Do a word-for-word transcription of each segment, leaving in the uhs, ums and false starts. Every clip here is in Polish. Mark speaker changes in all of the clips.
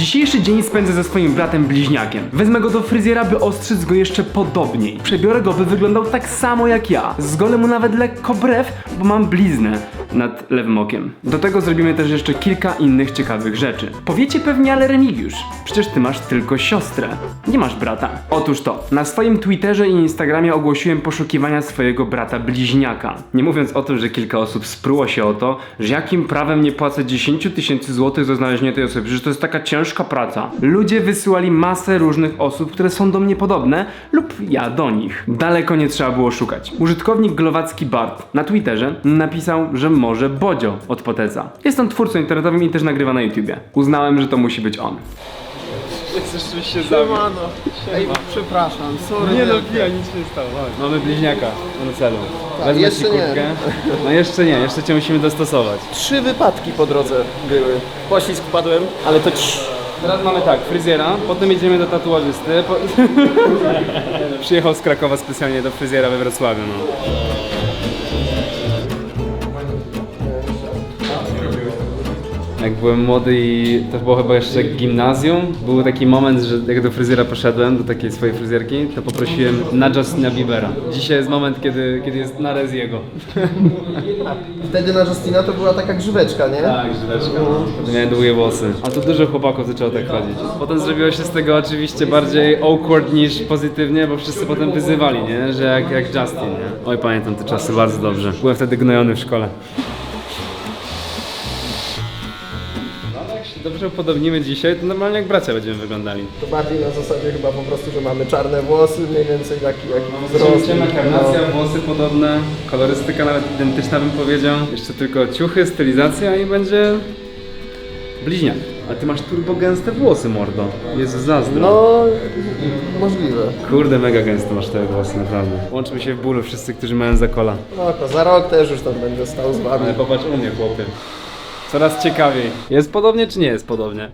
Speaker 1: Dzisiejszy dzień spędzę ze swoim bratem bliźniakiem. Wezmę go do fryzjera, by ostrzyc go jeszcze podobniej. Przebiorę go, by wyglądał tak samo jak ja. Zgolę mu nawet lekko brew, bo mam bliznę nad lewym okiem. Do tego zrobimy też jeszcze kilka innych ciekawych rzeczy. Powiecie pewnie, ale Remigiusz, przecież ty masz tylko siostrę. Nie masz brata. Otóż to, na swoim Twitterze i Instagramie ogłosiłem poszukiwania swojego brata bliźniaka. Nie mówiąc o tym, że kilka osób spruło się o to, że jakim prawem nie płacę dziesięć tysięcy złotych za znalezienie tej osoby, że to jest taka ciężka praca. Ludzie wysyłali masę różnych osób, które są do mnie podobne lub ja do nich. Daleko nie trzeba było szukać. Użytkownik Glowacki Bart na Twitterze napisał, że może Bodzio od Poteza. Jest on twórcą internetowym i też nagrywa na YouTubie. Uznałem, że to musi być on.
Speaker 2: Chcesz się Siemano. Ej, przepraszam, sorry.
Speaker 1: Nie no, pija, nic się nie stało. Mamy bliźniaka na celu.
Speaker 2: Tak, jeszcze nie.
Speaker 1: No jeszcze nie, jeszcze cię musimy dostosować.
Speaker 2: Trzy wypadki po drodze były. Poślizg padłem, ale to ci.
Speaker 1: Teraz mamy tak, fryzjera, potem jedziemy do tatuażysty. Po... Przyjechał z Krakowa specjalnie do fryzjera we Wrocławiu, no. Jak byłem młody i to było chyba jeszcze gimnazjum, był taki moment, że jak do fryzjera poszedłem, do takiej swojej fryzjerki, to poprosiłem na Justina Biebera. Dzisiaj jest moment, kiedy, kiedy jest na Reziego.
Speaker 2: Wtedy na Justina to była taka grzyweczka, nie?
Speaker 1: Tak, grzyweczka. Wtedy miałem długie włosy. A tu dużo chłopaków zaczęło tak chodzić. Potem zrobiło się z tego oczywiście bardziej awkward niż pozytywnie, bo wszyscy potem wyzywali, nie? Że jak, jak Justin, nie? Oj, pamiętam te czasy bardzo dobrze. Byłem wtedy gnojony w szkole. Dobrze upodobnimy dzisiaj, to normalnie jak bracia będziemy wyglądali.
Speaker 2: To bardziej na zasadzie chyba po prostu, że mamy czarne włosy, mniej więcej taki, jaki wzrost.
Speaker 1: Ciemna karnacja, włosy podobne, kolorystyka nawet identyczna bym powiedział. Jeszcze tylko ciuchy, stylizacja i będzie bliźniak. A ty masz turbo gęste włosy, mordo. Jezu, zazdro.
Speaker 2: No, możliwe.
Speaker 1: Kurde, mega gęste masz te włosy, naprawdę. Łączmy się w bólu wszyscy, którzy mają zakola.
Speaker 2: No to za rok też już tam będę stał z wami.
Speaker 1: Ale popatrz u mnie, chłopie. Coraz ciekawiej. Jest podobnie czy nie jest podobnie?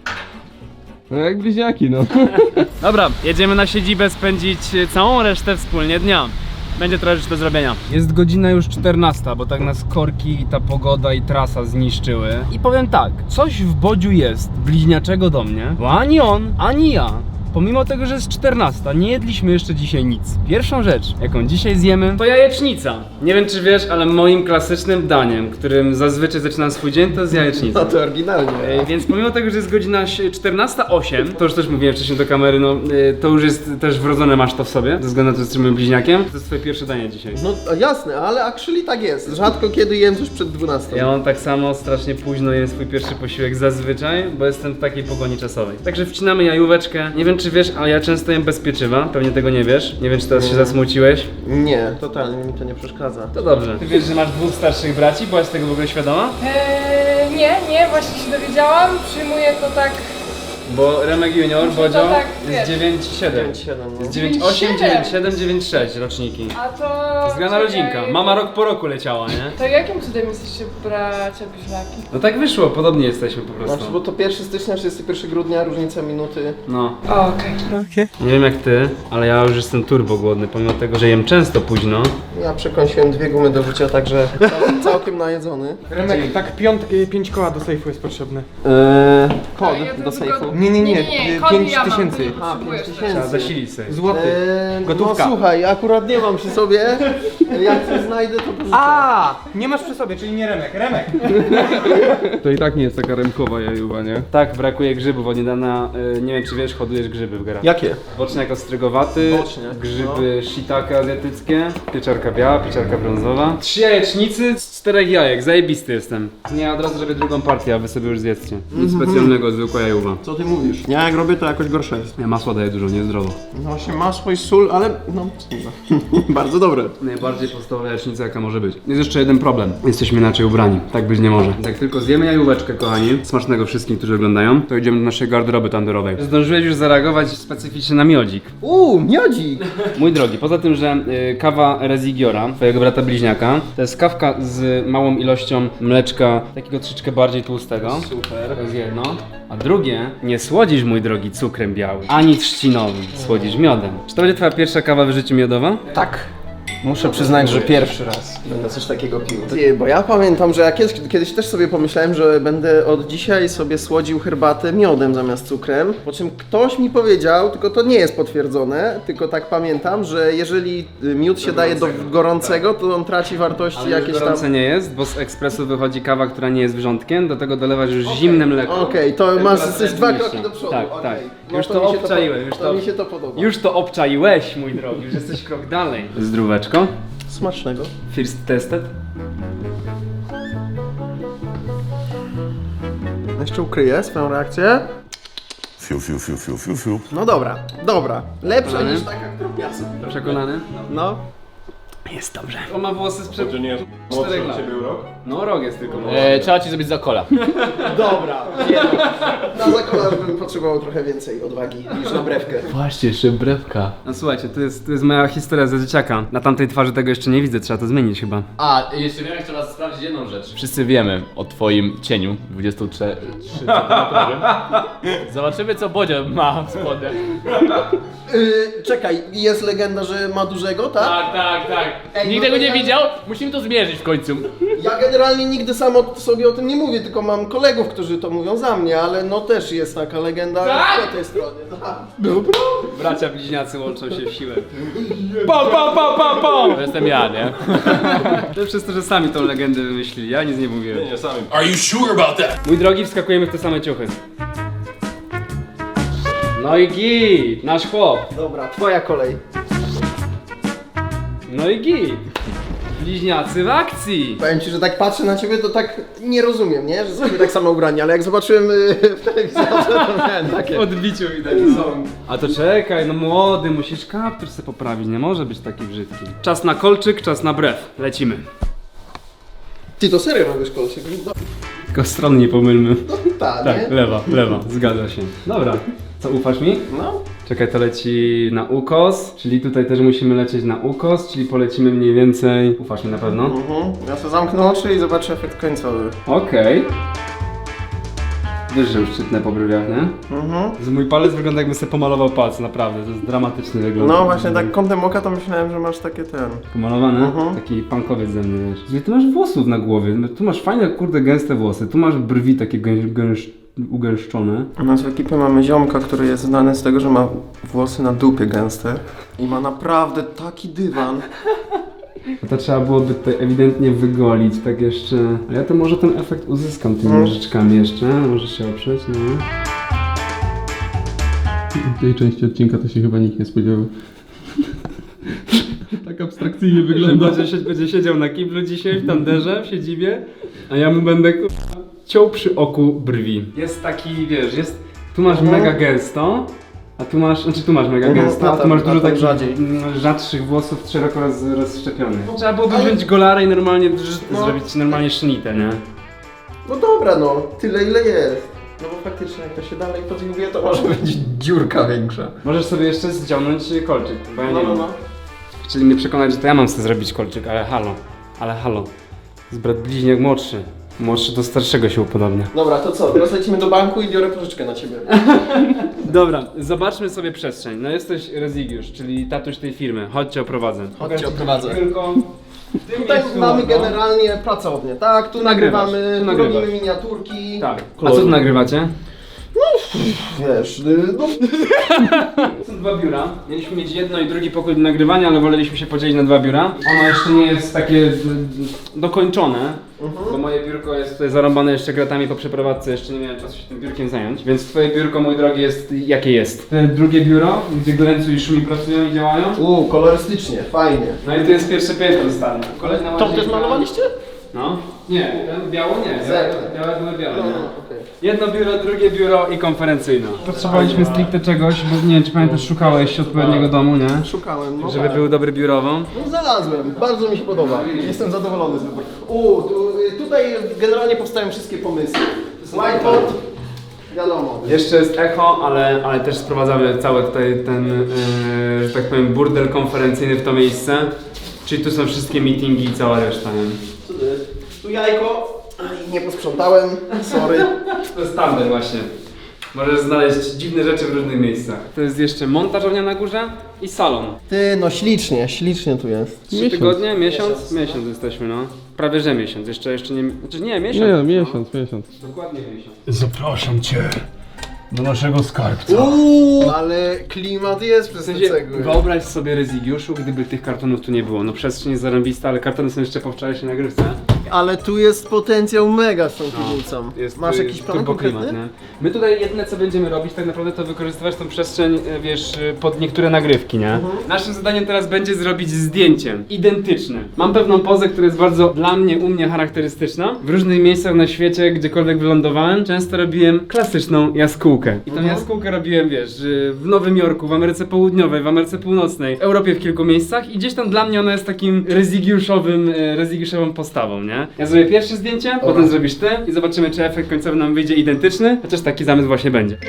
Speaker 3: No jak bliźniaki, no.
Speaker 1: Dobra, jedziemy na siedzibę spędzić całą resztę wspólnie dnia. Będzie trochę rzeczy do zrobienia. Jest godzina już czternasta, bo tak nas korki, ta pogoda i trasa zniszczyły. I powiem tak, coś w Bodziu jest bliźniaczego do mnie, bo ani on, ani ja, pomimo tego, że jest czternasta, nie jedliśmy jeszcze dzisiaj nic. Pierwszą rzecz, jaką dzisiaj zjemy, to jajecznica. Nie wiem czy wiesz, ale moim klasycznym daniem, którym zazwyczaj zaczynam swój dzień, to jest jajecznica.
Speaker 2: No to oryginalnie.
Speaker 1: Ej, więc pomimo tego, że jest godzina czternasta osiem, to już też mówiłem wcześniej do kamery, no y, to już jest też wrodzone, masz to w sobie, ze względu na to, że jesteś moim bliźniakiem. To jest twoje pierwsze danie dzisiaj.
Speaker 2: No jasne, ale actually tak jest. Rzadko kiedy jem coś przed dwunastą.
Speaker 1: Ja mam tak samo, strasznie późno jem swój pierwszy posiłek zazwyczaj, bo jestem w takiej pogoni czasowej. Także wcinamy jajóweczkę. Nie wiem czy wiesz, ale ja często jem bez pieczywa, pewnie tego nie wiesz. Nie wiem czy teraz się zasmuciłeś.
Speaker 2: Nie, totalnie mi to nie przeszkadza.
Speaker 1: To dobrze. Ty wiesz, że masz dwóch starszych braci? Byłaś tego w ogóle świadoma?
Speaker 4: Eee, nie, nie, właśnie się dowiedziałam. Przyjmuję to tak.
Speaker 1: Bo Remek Junior,
Speaker 4: Muszę to
Speaker 1: Bodzio,
Speaker 4: tak,
Speaker 1: jest
Speaker 4: wiesz.
Speaker 1: dziewięć siedem.
Speaker 2: dziewięć siedem, no.
Speaker 1: Jest dziewięć osiem, dziewięć siedem, dziewięć sześć roczniki.
Speaker 4: A to.
Speaker 1: Zgrana rodzinka. Mama rok po roku leciała, nie?
Speaker 4: To jakim cudem jesteście bracia bliźniaki?
Speaker 1: No tak wyszło, podobnie jesteśmy po
Speaker 2: Znaczy, bo
Speaker 1: prostu.
Speaker 2: to pierwszego stycznia, trzydziestego pierwszego grudnia, różnica minuty.
Speaker 1: No.
Speaker 4: O, okej.
Speaker 1: Nie wiem jak ty, ale ja już jestem turbo głodny, pomimo tego, że jem często późno.
Speaker 2: Ja przekąsiłem dwie gumy do życia, także cał, całkiem najedzony.
Speaker 3: Remek, tak piąt, pięć koła do sejfu jest potrzebne.
Speaker 2: Eee, kod
Speaker 4: Ja to
Speaker 2: do
Speaker 4: tylko-
Speaker 2: sejfu.
Speaker 3: Nie, nie, nie,
Speaker 4: Nie, nie, nie,
Speaker 3: y,
Speaker 4: kod
Speaker 3: pięć
Speaker 4: ja mam,
Speaker 3: tysięcy.
Speaker 4: to nie
Speaker 2: A,
Speaker 4: potrzebujesz
Speaker 2: pięć
Speaker 4: też.
Speaker 1: Trzeba
Speaker 2: tysięcy.
Speaker 1: zasilić sobie.
Speaker 3: Złoty.
Speaker 2: Eee,
Speaker 3: Gotówka.
Speaker 2: No słuchaj, akurat nie mam przy sobie. Jak coś znajdę, to pożyczę.
Speaker 3: A, nie masz przy sobie, czyli nie Remek, Remek.
Speaker 5: To i tak nie jest taka remkowa jajuwa, nie?
Speaker 1: Tak, brakuje grzybów od niedawna, y, nie wiem czy wiesz, hodujesz grzyby w garażu.
Speaker 2: Jakie?
Speaker 1: Boczniak ostrygowaty,
Speaker 2: Boczniak,
Speaker 1: grzyby shiitake azjatyckie, pieczarka biała, pieczarka brązowa. Trzy jajecznicy z czterech jajek, zajebisty jestem. Nie, od razu robię drugą partię, a wy sobie już zjedzcie. Nic specjalnego, zwykła jajuwa.
Speaker 2: Co ty mówisz? Ja jak robię, to jakoś gorsze jest.
Speaker 1: Ja masła daję dużo, niezdrowo.
Speaker 2: No właśnie masło i sól, ale no, bardzo dobre.
Speaker 1: Najbardziej podstawowa jajecznica jaka może być. Jest jeszcze jeden problem. Jesteśmy inaczej ubrani. Tak być nie może. Jak tylko zjemy jajóweczkę, kochani, smacznego wszystkim, którzy oglądają, to idziemy do naszej garderoby tanderowej. Zdążyłeś już zareagować specyficznie na miodzik.
Speaker 2: Uuu, miodzik!
Speaker 1: Mój drogi, poza tym, że y, kawa Rezigiora, twojego brata bliźniaka, to jest kawka z małą ilością mleczka, takiego troszeczkę bardziej tłustego. Super. To jest jedno. A drugie, nie słodzisz, mój drogi, cukrem białym, ani trzcinowym, słodzisz miodem. Czy to będzie twoja pierwsza kawa w życiu miodowa?
Speaker 2: Tak. Muszę przyznać, że pierwszy raz będę coś takiego pił. Ty, bo ja pamiętam, że ja kiedyś, kiedyś też sobie pomyślałem, że będę od dzisiaj sobie słodził herbatę miodem zamiast cukrem. Po czym ktoś mi powiedział, tylko to nie jest potwierdzone, tylko tak pamiętam, że jeżeli miód się daje do gorącego, to on traci wartości jakieś tam...
Speaker 1: Gorące nie jest, bo z ekspresu wychodzi kawa, która nie jest wrzątkiem, do tego dolewasz już zimne mleko.
Speaker 2: Okej, to masz
Speaker 1: Temperatura
Speaker 2: jesteś dwa
Speaker 1: niższa.
Speaker 2: kroki do przodu.
Speaker 1: Tak,
Speaker 2: okej.
Speaker 1: tak.
Speaker 2: No
Speaker 1: Już
Speaker 2: to
Speaker 1: to
Speaker 2: mi się
Speaker 1: obczaiłem,
Speaker 2: to,
Speaker 1: już
Speaker 2: to
Speaker 1: to-
Speaker 2: mi się to podoba.
Speaker 1: Już to obczaiłeś, mój drogi, już jesteś krok dalej. Zdróweczko.
Speaker 2: Smacznego.
Speaker 1: First tested.
Speaker 2: Jeszcze ukryję swoją reakcję.
Speaker 6: Fiu, fiu, fiu, fiu, fiu, fiu.
Speaker 2: No dobra, dobra. Lepsza
Speaker 1: Przekonany?
Speaker 2: niż taka, którą ja sobie.
Speaker 1: Przekonany?
Speaker 2: No.
Speaker 1: Jest dobrze. On ma włosy sprzed
Speaker 6: To nie jest
Speaker 1: czterech lat. No rok jest tylko.
Speaker 7: E, trzeba ci zrobić za kola.
Speaker 2: Dobra. Nie, na zakolarz bym potrzebował trochę więcej odwagi niż na brewkę.
Speaker 7: Właśnie, szybrewka.
Speaker 1: No słuchajcie, to jest, to jest moja historia ze dzieciaka. Na tamtej twarzy tego jeszcze nie widzę, trzeba to zmienić chyba.
Speaker 7: A, jeszcze wiem, jeszcze raz sprawdzić jedną rzecz. Wszyscy wiemy o twoim cieniu dwudziestotrzycentymetrowym. Zobaczymy, co Bodzio ma w spodnie.
Speaker 2: Yy, czekaj, jest legenda, że ma dużego, tak?
Speaker 7: Tak, tak, tak.
Speaker 2: Ej,
Speaker 7: Nikt
Speaker 2: no
Speaker 7: tego
Speaker 2: to
Speaker 7: nie
Speaker 2: ja-
Speaker 7: widział? Musimy to zmierzyć w końcu.
Speaker 2: Ja generalnie nigdy sam o, sobie o tym nie mówię, tylko mam kolegów, którzy to mówią za mnie, ale no też jest taka legenda
Speaker 7: Tak?
Speaker 2: po tej stronie. Tak.
Speaker 1: Bracia bliźniacy łączą się w siłę. Pa, pa, pa, pa, pa!
Speaker 7: To jestem ja, nie?
Speaker 1: To przez to, że sami tą legendę wymyślili, ja nic nie mówiłem.
Speaker 6: Nie, sami.
Speaker 8: Are you sure about that?
Speaker 1: Mój drogi, wskakujemy w te same ciuchy. No i git, nasz chłop.
Speaker 2: Dobra, twoja kolej.
Speaker 1: No i git. Bliźniacy w akcji.
Speaker 2: Powiem ci, że tak patrzę na ciebie, to tak nie rozumiem, nie? Że jesteśmy tak samo ubrani, ale jak zobaczyłem y, w telewizorze, to miałem takie...
Speaker 1: W odbiciu widać są. A to czekaj, no młody, musisz kaptur sobie poprawić, nie może być taki brzydki. Czas na kolczyk, czas na brew. Lecimy.
Speaker 2: Ty to serio robisz kolczyk? No,
Speaker 1: Tylko stron nie pomylmy.
Speaker 2: ta,
Speaker 1: Tak,
Speaker 2: nie?
Speaker 1: lewa, lewa, zgadza się. Dobra, co ufasz mi?
Speaker 2: No.
Speaker 1: Czekaj, to leci na ukos, czyli tutaj też musimy lecieć na ukos, czyli polecimy mniej więcej... Ufasz mi na pewno?
Speaker 2: Mhm. Ja sobie zamknę oczy i zobaczę efekt końcowy.
Speaker 1: Okej. Wiesz, że już czytnę po brwiach, nie?
Speaker 2: Mhm.
Speaker 1: Z mój palec wygląda, jakby sobie pomalował palec, naprawdę, to jest dramatyczny wygląd.
Speaker 2: No właśnie tak kątem oka to myślałem, że masz takie ten...
Speaker 1: Pomalowany?
Speaker 2: Mhm.
Speaker 1: Taki punkowiec ze mnie, wiesz. Ile ty masz włosów na głowie? No, tu masz fajne, kurde, gęste włosy, tu masz brwi takie gęś, gęś, ugęszczone.
Speaker 2: U nas w ekipie mamy ziomka, który jest znany z tego, że ma włosy na dupie gęste. I ma naprawdę taki dywan.
Speaker 1: No to trzeba byłoby tutaj ewidentnie wygolić, tak jeszcze... Ale ja to może ten efekt uzyskam tymi
Speaker 2: Mm.
Speaker 1: nożyczkami jeszcze, może się oprzeć, no.
Speaker 5: tej części odcinka to się chyba nikt nie spodziewał. Tak abstrakcyjnie wygląda.
Speaker 1: Będzie, się, będzie siedział na kiblu dzisiaj w tanderze, w siedzibie, a ja mu będę ku- ciął przy oku brwi. Jest taki, wiesz, jest... Tu masz
Speaker 2: Mhm.
Speaker 1: mega gęsto, a tu masz, znaczy tu masz mega
Speaker 2: Mhm,
Speaker 1: gęsto,
Speaker 2: a
Speaker 1: a tu
Speaker 2: tam-
Speaker 1: masz
Speaker 2: a
Speaker 1: dużo
Speaker 2: tam
Speaker 1: takich
Speaker 2: rzadziej.
Speaker 1: mm, rzadszych włosów szeroko roz, rozszczepionych. Trzeba byłoby wziąć golarę i normalnie drz-
Speaker 2: No.
Speaker 1: zrobić normalnie sznitę, nie?
Speaker 2: No dobra no, tyle ile jest. No bo faktycznie jak to się dalej podjmuje, to może być dziurka większa.
Speaker 1: Możesz sobie jeszcze zdziałnąć kolczyk, bo ja nie
Speaker 2: No, no,
Speaker 1: wiem.
Speaker 2: no.
Speaker 1: Chcieli mnie przekonać, że to ja mam sobie zrobić kolczyk, ale halo, ale halo. Z brat bliźniak młodszy. Młodszy do starszego się upodobnia.
Speaker 2: Dobra, to co? Teraz lecimy do banku i biorę pożyczkę na ciebie.
Speaker 1: Dobra, zobaczmy sobie przestrzeń. No jesteś Rezygiusz, czyli tatuś tej firmy. Chodźcie, oprowadzę.
Speaker 2: Chodźcie, oprowadzę.
Speaker 1: Tylko...
Speaker 2: Tutaj mamy generalnie pracownię, tak? Tu nagrywamy,
Speaker 1: tu
Speaker 2: tu
Speaker 1: nagrywasz.
Speaker 2: robimy miniaturki.
Speaker 1: Tak. A co tu nagrywacie?
Speaker 2: Wiesz, y, no...
Speaker 1: Są dwa biura. Mieliśmy mieć jedno i drugi pokój do nagrywania, ale woleliśmy się podzielić na dwa biura. Ono jeszcze nie jest takie d- d- dokończone, bo moje biurko jest tutaj zarąbane jeszcze kratami po przeprowadzce, jeszcze nie miałem czasu się tym biurkiem zająć. Więc twoje biurko, mój drogi, jest jakie jest? Te drugie biuro, gdzie Glencu i Szumi pracują i działają.
Speaker 2: Uuu, kolorystycznie, fajnie.
Speaker 1: No i to jest pierwsze piętro stanie. Kolejna
Speaker 2: To też
Speaker 1: łazienka.
Speaker 2: malowaliście?
Speaker 1: No. Nie, ten biało nie. Białe,
Speaker 2: Zerknę.
Speaker 1: białe były białe.
Speaker 2: No,
Speaker 1: nie?
Speaker 2: no, okej.
Speaker 1: Jedno biuro, drugie biuro i konferencyjna. Potrzebowaliśmy stricte czegoś, bo nie wiem, czy pamiętasz, szukałeś odpowiedniego domu, nie?
Speaker 2: Szukałem, no
Speaker 1: Żeby
Speaker 2: tak.
Speaker 1: był dobry biurowo.
Speaker 2: No znalazłem, bardzo mi się podoba. Jestem zadowolony z wyboru. Uuu, tu, y, tutaj generalnie powstają wszystkie pomysły. Whiteboard, wiadomo.
Speaker 1: Jeszcze jest echo, ale, ale też sprowadzamy cały tutaj ten, yy, że tak powiem, burdel konferencyjny w to miejsce. Czyli tu są wszystkie meetingi i cała reszta, nie?
Speaker 2: Co to jest? Tu jajko. Aj, nie posprzątałem, sorry.
Speaker 1: To jest standard właśnie. Możesz znaleźć dziwne rzeczy w różnych miejscach. To jest jeszcze montażownia na górze i salon.
Speaker 2: Ty, no ślicznie, ślicznie tu jest.
Speaker 1: Trzy tygodnie, miesiąc? Miesiąc jesteśmy, no. Prawie że miesiąc, jeszcze, jeszcze nie... Znaczy nie, miesiąc.
Speaker 5: Nie,
Speaker 1: no.
Speaker 5: miesiąc, miesiąc.
Speaker 1: Dokładnie miesiąc.
Speaker 6: Zapraszam cię do naszego skarbca.
Speaker 2: Uuu, ale klimat jest
Speaker 1: W
Speaker 2: przez te
Speaker 1: sensie,
Speaker 2: cegły.
Speaker 1: wyobraź sobie Rezygiuszu, gdyby tych kartonów tu nie było. No przestrzeń jest zarąbista, ale kartony są jeszcze po wczorajszej nagrywce.
Speaker 2: Ale tu jest potencjał mega z tą piwnicą.
Speaker 1: Jest,
Speaker 2: Masz
Speaker 1: y,
Speaker 2: jakiś plan
Speaker 1: turbo
Speaker 2: konkretny?
Speaker 1: klimat, nie? My tutaj jedyne co będziemy robić tak naprawdę to wykorzystywać tą przestrzeń, y, wiesz, y, pod niektóre nagrywki, nie? Naszym zadaniem teraz będzie zrobić zdjęcie identyczne. Mam pewną pozę, która jest bardzo dla mnie, u mnie charakterystyczna. W różnych miejscach na świecie, gdziekolwiek wylądowałem, często robiłem klasyczną jaskółkę. I tą jaskółkę robiłem, wiesz, y, w Nowym Jorku, w Ameryce Południowej, w Ameryce Północnej, w Europie w kilku miejscach i gdzieś tam dla mnie ona jest takim rezygiuszowym, y, rezygiuszową postawą, nie? Ja zrobię pierwsze zdjęcie, potem zrobisz ty i zobaczymy, czy efekt końcowy nam wyjdzie identyczny, chociaż taki zamysł właśnie będzie.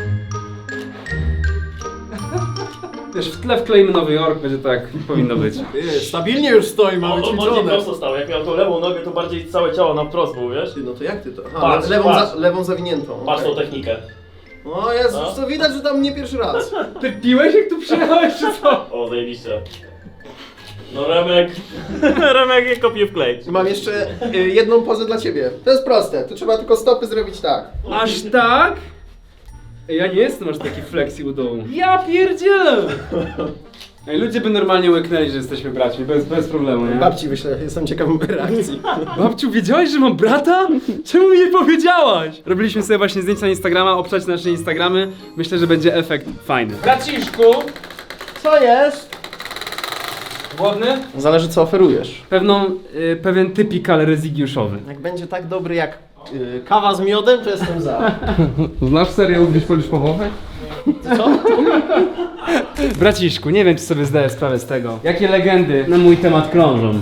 Speaker 1: Wiesz, w tle wkleimy Nowy Jork, będzie tak, jak powinno być.
Speaker 2: Stabilnie już stoi, ma
Speaker 8: On, on bardziej prosto stał, jak miał tą lewą nogę, to bardziej całe ciało na wprost był, wiesz?
Speaker 2: Ty, no to jak ty to? Aha,
Speaker 8: Patrz,
Speaker 2: lewą,
Speaker 8: patrz.
Speaker 2: Za, lewą zawiniętą.
Speaker 8: Patrz tą
Speaker 2: okej.
Speaker 8: technikę.
Speaker 2: O jest,
Speaker 8: No.
Speaker 2: już to widać, że tam nie pierwszy raz.
Speaker 1: Ty piłeś jak tu przyjechałeś, czy co?
Speaker 8: O, zajebiście. No Remek, Remek je kopie w klej.
Speaker 2: Mam jeszcze y, jedną pozę dla ciebie. To jest proste, tu trzeba tylko stopy zrobić tak.
Speaker 1: Aż tak? Ej, ja nie jestem aż taki flexi u dołu. Ja pierdzielę! Ej, ludzie by normalnie łyknęli, że jesteśmy braćmi, bez, bez problemu, nie?
Speaker 2: Babci wyślę, jestem ciekaw reakcji.
Speaker 1: Babciu, wiedziałaś, że mam brata? Czemu mi nie powiedziałaś? Robiliśmy sobie właśnie zdjęcia na Instagrama, obczać nasze Instagramy. Myślę, że będzie efekt fajny. Braciszku!
Speaker 2: Co jest?
Speaker 1: Głodny?
Speaker 2: Zależy co oferujesz.
Speaker 1: Pewną, y, pewien typikal rezygiuszowy.
Speaker 2: Jak będzie tak dobry jak y, kawa z miodem, to jestem za.
Speaker 5: Znasz serial Gdzieś polisz pochowę?
Speaker 1: Braciszku, nie wiem, czy sobie zdaję sprawę z tego. Jakie legendy na mój temat krążą.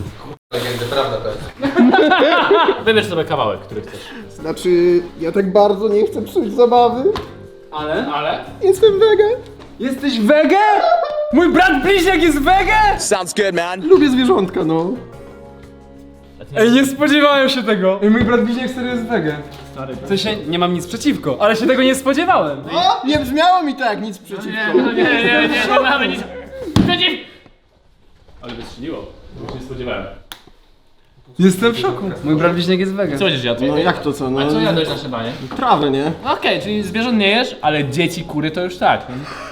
Speaker 8: Wybierz sobie kawałek, który chcesz.
Speaker 2: Znaczy, ja tak bardzo nie chcę psuć zabawy.
Speaker 1: Ale?
Speaker 8: Ale?
Speaker 2: Jestem wege.
Speaker 1: Jesteś wege? Mój brat bliźniak jest wege?
Speaker 2: Lubię zwierzątka, no.
Speaker 1: Ej, nie spodziewałem się tego. Ej, mój brat bliźniak serio jest wege. W sensie, nie mam nic przeciwko, ale się tego nie spodziewałem.
Speaker 2: O, nie brzmiało mi to jak nic przeciwko.
Speaker 8: Nie, nie, nie, nie mamy nic przeciw! Ale wystrzeliło, już nie spodziewałem.
Speaker 1: Jestem w szoku. Mój brat bliźniak jest wege.
Speaker 8: Co będziesz jadł?
Speaker 2: No jak to co, no?
Speaker 8: A co jadłeś na szybanie?
Speaker 2: Trawę, nie?
Speaker 8: Okej, czyli zwierząt nie jesz, ale dzieci, kury to już tak.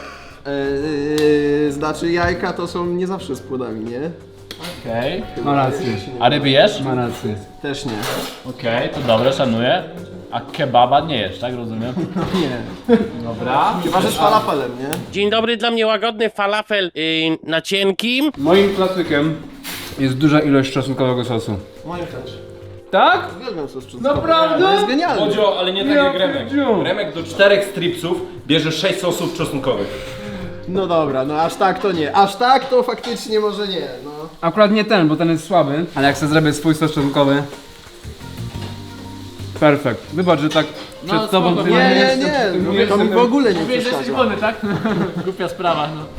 Speaker 2: Eee, znaczy jajka to są nie zawsze z płodami, nie?
Speaker 8: Okej.
Speaker 1: Ma rację.
Speaker 8: A ryby jesz?
Speaker 1: Ma rację.
Speaker 2: Też nie.
Speaker 8: Okej, to dobre, szanuję. A kebaba nie jesz, tak rozumiem?
Speaker 2: Nie.
Speaker 8: Dobra.
Speaker 2: Chyba, że z falafelem, nie?
Speaker 9: Dzień dobry, dla mnie łagodny falafel yy, na cienkim.
Speaker 1: Moim klasykiem jest duża ilość czosnkowego sosu.
Speaker 2: Moim też.
Speaker 1: Tak?
Speaker 2: Uwielbiam sos czosnkowy.
Speaker 1: Naprawdę?
Speaker 2: To jest genialne.
Speaker 3: Bodzio, ale nie tak
Speaker 1: Ja
Speaker 3: jak Remek.
Speaker 1: pierdziu.
Speaker 3: Remek do czterech stripsów bierze sześć sosów czosnkowych.
Speaker 2: No dobra, no aż tak to nie. Aż tak to faktycznie może nie, no.
Speaker 1: Akurat nie ten, bo ten jest słaby, ale jak sobie zrobię swój sos czosnkowy. Perfekt. Wybacz, że tak przed tobą
Speaker 8: spoko.
Speaker 1: ty
Speaker 2: Nie, nie,
Speaker 1: jestem-
Speaker 2: nie. To mi w ogóle nie
Speaker 8: Mówisz, że jesteś
Speaker 2: przeszkadza.
Speaker 8: wolny, tak? Głupia sprawa, no.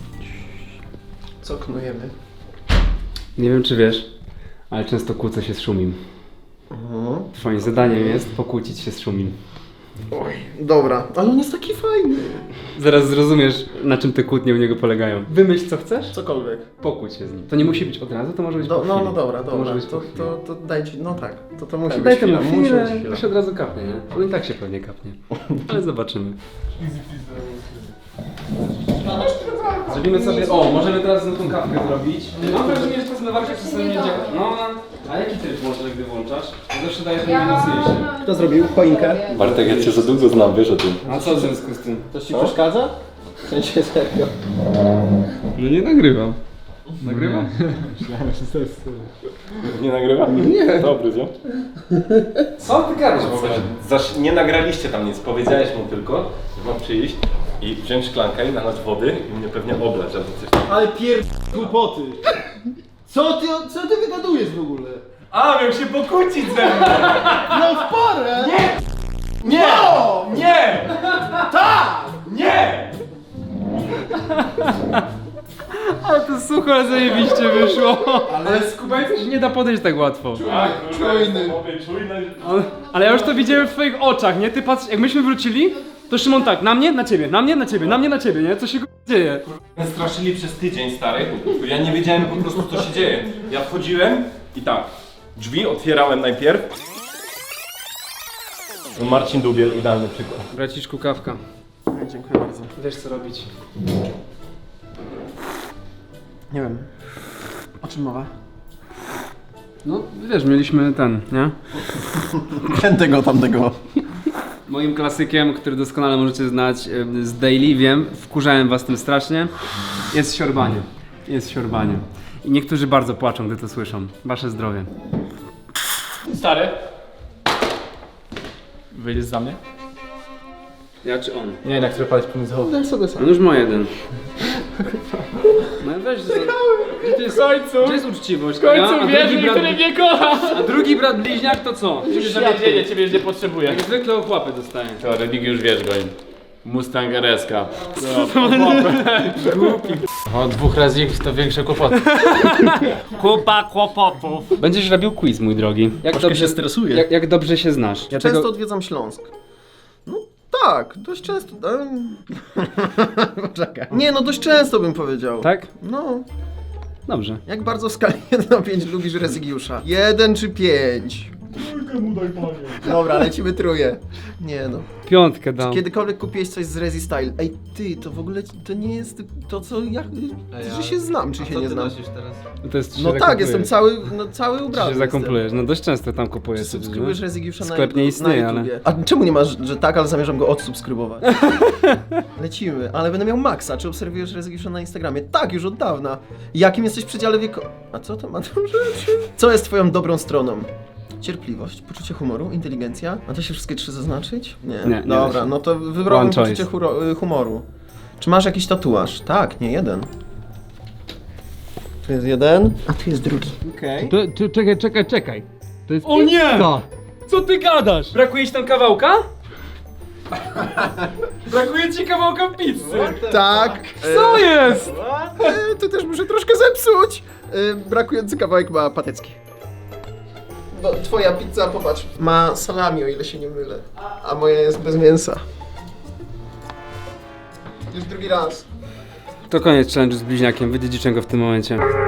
Speaker 2: Co knujemy?
Speaker 1: Nie wiem czy wiesz, ale często kłócę się z Szumim. Twoim zadaniem jest pokłócić się z Szumim.
Speaker 2: Oj, dobra, ale on jest taki fajny.
Speaker 1: Zaraz zrozumiesz, na czym te kłótnie u niego polegają. Wymyśl co chcesz,
Speaker 2: Cokolwiek.
Speaker 1: pokłóć się z nim. To nie musi być od razu, to może być
Speaker 2: Do,
Speaker 1: po
Speaker 2: no,
Speaker 1: chwili.
Speaker 2: no dobra,
Speaker 1: To
Speaker 2: dobra.
Speaker 1: może być
Speaker 2: To,
Speaker 1: po chwili.
Speaker 2: to, to dajcie, no tak. To, to musi być
Speaker 1: Daj
Speaker 2: chwila,
Speaker 1: temu
Speaker 2: musi
Speaker 1: chwilę,
Speaker 2: być chwila.
Speaker 1: to się od razu kapnie, nie? On i tak się pewnie kapnie. Ale zobaczymy. Zrobimy sobie, o, możemy teraz tą kawkę zrobić. Mam wrażenie, że to jest na warcie przez nie działa. No, a jaki tryb włączasz, gdy włączasz? Ja zawsze daję ten najmocniejszy.
Speaker 2: Kto zrobił choinkę?
Speaker 6: Bartek, ja cię za długo znam, wiesz o tym.
Speaker 1: A co w związku z tym?
Speaker 2: To ci przeszkadza? W sensie serio.
Speaker 5: No nie nagrywam. Nagrywam?
Speaker 6: Nie nagrywam? Nie. Dobry, co?
Speaker 1: Co ty gadasz w ogóle?
Speaker 6: Zaś nie nagraliście tam nic, powiedziałeś mu tylko, że mam przyjść i wziąć szklankę i nalać wody i mnie pewnie oblać albo coś tam.
Speaker 2: Ale pier... głupoty. Co ty, co ty wygadujesz w ogóle?
Speaker 1: A, miał się pokłócić ze mną!
Speaker 2: No w porę! Nie!
Speaker 1: Nie!
Speaker 2: No!
Speaker 1: Nie!
Speaker 2: Tak!
Speaker 1: Nie! Ale to sucho, ale zajebiście wyszło. Ale z Kubańcem się nie da podejść tak łatwo.
Speaker 2: Czujny.
Speaker 1: Ale, ale ja już to widziałem w twoich oczach, nie? Ty patrz, jak myśmy wrócili, To Szymon tak, na mnie, na ciebie, na mnie, na ciebie, na mnie, na ciebie, nie? Co się k***a dzieje?
Speaker 6: Mnie straszyli przez tydzień, stary, bo ja nie wiedziałem po prostu, co się dzieje. Ja wchodziłem i tak, drzwi otwierałem najpierw. No Marcin Dubiel, idealny przykład.
Speaker 1: Braciszku, kawka.
Speaker 2: Dziękuję bardzo.
Speaker 1: Wiesz co robić.
Speaker 2: Nie wiem. O czym mowa?
Speaker 1: No, wiesz, mieliśmy ten, nie?
Speaker 2: Tego, tamtego.
Speaker 1: Moim klasykiem, który doskonale możecie znać y, z Daily, wiem, wkurzałem was tym strasznie, jest siorbanie. Jest siorbanie. I niektórzy bardzo płaczą, gdy to słyszą. Wasze zdrowie.
Speaker 8: Stary. Wyjdziesz za mnie?
Speaker 1: Ja czy on?
Speaker 8: Nie, na który palec powinien zachować.
Speaker 2: Tak sobie sam.
Speaker 1: On już ma jeden. No weź, że to jest,
Speaker 8: W końcu!
Speaker 1: gdzie jest uczciwość?
Speaker 8: W końcu
Speaker 1: a,
Speaker 8: wierzy,
Speaker 1: drugi brat,
Speaker 8: który mnie kocha!
Speaker 1: a drugi brat bliźniak to co?
Speaker 8: Ciebie zawiedzienie, ciebie już nie potrzebuję.
Speaker 1: Jak zwykle ochłapy dostaję.
Speaker 7: To Remigiusz wiesz, goń. Mustang R S K.
Speaker 8: O, dwóch razy to większe kłopoty. Kupa kłopotów.
Speaker 1: Będziesz robił quiz, mój drogi. Jak
Speaker 8: Troszkę się stresuję.
Speaker 1: Jak, jak dobrze się znasz. Ja
Speaker 2: Często
Speaker 1: tego-
Speaker 2: odwiedzam Śląsk. No tak, dość często. em. Poczekaj. Nie, no dość często bym powiedział.
Speaker 1: Tak?
Speaker 2: No.
Speaker 1: Dobrze.
Speaker 2: Jak bardzo w skali jeden do pięciu lubisz Rezygiusza? jeden czy pięć? Trójkę mu daj, panie. Dobra, lecimy trójkę. Nie no.
Speaker 1: Piątkę dam.
Speaker 2: Kiedykolwiek kupiłeś coś z Rezi Style? Ej, ty, to w ogóle to nie jest to, co ja... że się znam, czy się nie znam.
Speaker 1: To jest,
Speaker 2: No tak, jestem cały, no cały
Speaker 1: Ty
Speaker 2: ubrany.
Speaker 1: się
Speaker 2: jestem.
Speaker 1: zakomplujesz. No dość często tam kupujesz.
Speaker 2: Czy subskrybujesz Rezygiusza na,
Speaker 1: Sklep nie istnieje,
Speaker 2: na
Speaker 1: ale-
Speaker 2: YouTubie? A czemu nie masz, że tak, ale zamierzam go odsubskrybować? Lecimy, ale będę miał maksa. Czy obserwujesz Rezygiusza na Instagramie? Tak, już od dawna. Jakim jesteś w przedziale wieku... A co to ma do rzeczy? Co jest twoją dobrą stroną? Cierpliwość, poczucie humoru, inteligencja. A to się wszystkie trzy zaznaczyć? Nie.
Speaker 1: Nie, nie da
Speaker 2: Dobra,
Speaker 1: się.
Speaker 2: no to wybrałem
Speaker 1: One
Speaker 2: poczucie
Speaker 1: choice.
Speaker 2: huro- y, humoru. Czy masz jakiś tatuaż? Tak, nie jeden. Tu jest jeden, a tu jest drugi. Okej.
Speaker 5: To, to, czekaj, czekaj, czekaj. To jest
Speaker 1: O nie!
Speaker 5: pizza.
Speaker 1: Co ty gadasz? Brakuje ci tam kawałka? Brakuje ci kawałka pizzy.
Speaker 2: Tak.
Speaker 1: Co jest?
Speaker 2: E, to też muszę troszkę zepsuć. E, brakujący kawałek ma patecki. No, twoja pizza, popatrz, ma salami, o ile się nie mylę. A moja jest bez mięsa. Już drugi raz.
Speaker 1: To koniec challenge'u z bliźniakiem. Wydziedziczę go w tym momencie.